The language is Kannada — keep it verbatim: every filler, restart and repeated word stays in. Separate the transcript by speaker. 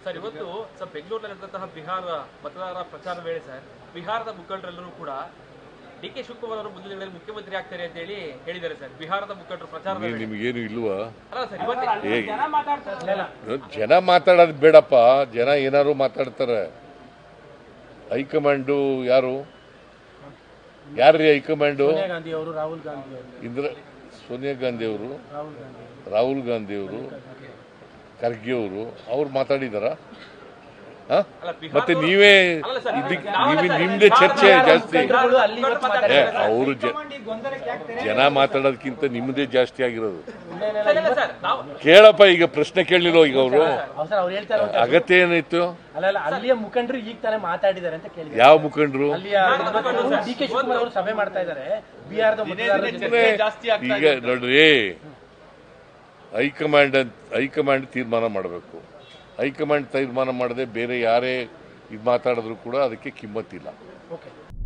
Speaker 1: ಸರ್ ಇವತ್ತು ಸರ್ ಬೆಂಗಳೂರಿನಲ್ಲಿ ನಡೆದಂತಹ ಬಿಹಾರ ಮತದಾರರ ಪ್ರಚಾರ ವೇಳೆ ಸರ್ ಬಿಹಾರದ ಮುಖಂಡರೆಲ್ಲರೂ ಕೂಡ ಡಿ ಕೆ ಶಿವಕುಮಾರ್ ಅವರು ಮುಂದಿನ ದಿನಗಳಲ್ಲಿ ಮುಖ್ಯಮಂತ್ರಿ ಆಗ್ತಾರೆ ಅಂತ ಹೇಳಿ ಹೇಳಿದ್ದಾರೆ ಸರ್. ಬಿಹಾರದ ಮುಖಂಡರು ಪ್ರಚಾರ
Speaker 2: ನಿಮಗೇನು ಇಲ್ವಾ?
Speaker 1: ಅಲ್ಲ ಸರ್ ಇವತ್ತು
Speaker 2: ಜನ ಮಾತಾಡೋದು ಬೇಡಪ್ಪ, ಜನ ಏನಾರು ಮಾತಾಡ್ತಾರೆ. ಹೈಕಮಾಂಡು ಯಾರು ಯಾರ್ರೀ ಹೈಕಮಾಂಡು? ಇಂದ್ರ ಸೋನಿಯಾ ಗಾಂಧಿ ಅವರು, ರಾಹುಲ್ ಗಾಂಧಿ ಅವರು, ಖರ್ಗೆ ಅವರು ಅವ್ರು ಮಾತಾಡಿದಾರ? ಮತ್ತೆ ನೀವೇ ನೀವೇ ನಿಮ್ದೇ ಚರ್ಚೆ ಜಾಸ್ತಿ. ಅವರು ಜನ ಮಾತಾಡೋದಕ್ಕಿಂತ ನಿಮ್ಮದೇ ಜಾಸ್ತಿ ಆಗಿರೋದು. ಕೇಳಪ್ಪ, ಈಗ ಪ್ರಶ್ನೆ ಕೇಳಲಿಲ್ಲ ಈಗ ಅವರು ಅಗತ್ಯ ಏನಿತ್ತು?
Speaker 3: ಅಲ್ಲಿಯ ಮುಖಂಡರು ಈಗ ತಾನೇ ಮಾತಾಡಿದ್ದಾರೆ ಅಂತ ಕೇಳಿ.
Speaker 2: ಯಾವ ಮುಖಂಡರು?
Speaker 3: ಡಿ ಕೆ ಶಿವಕುಮಾರ್ ಅವರು ಸಭೆ ಮಾಡ್ತಾ ಇದ್ದಾರೆ ಬಿಹಾರದ.
Speaker 2: ಈಗ ನೋಡ್ರಿ, ಹೈಕಮಾಂಡ್ ಹೈಕಮಾಂಡ್ ತೀರ್ಮಾನ ಮಾಡಬೇಕು. ಹೈಕಮಾಂಡ್ ತೀರ್ಮಾನ ಮಾಡದೆ ಬೇರೆ ಯಾರೇ ಇದು ಮಾತಾಡಿದ್ರು ಕೂಡ ಅದಕ್ಕೆ ಕಿಮ್ಮತ್ತಿಲ್ಲ.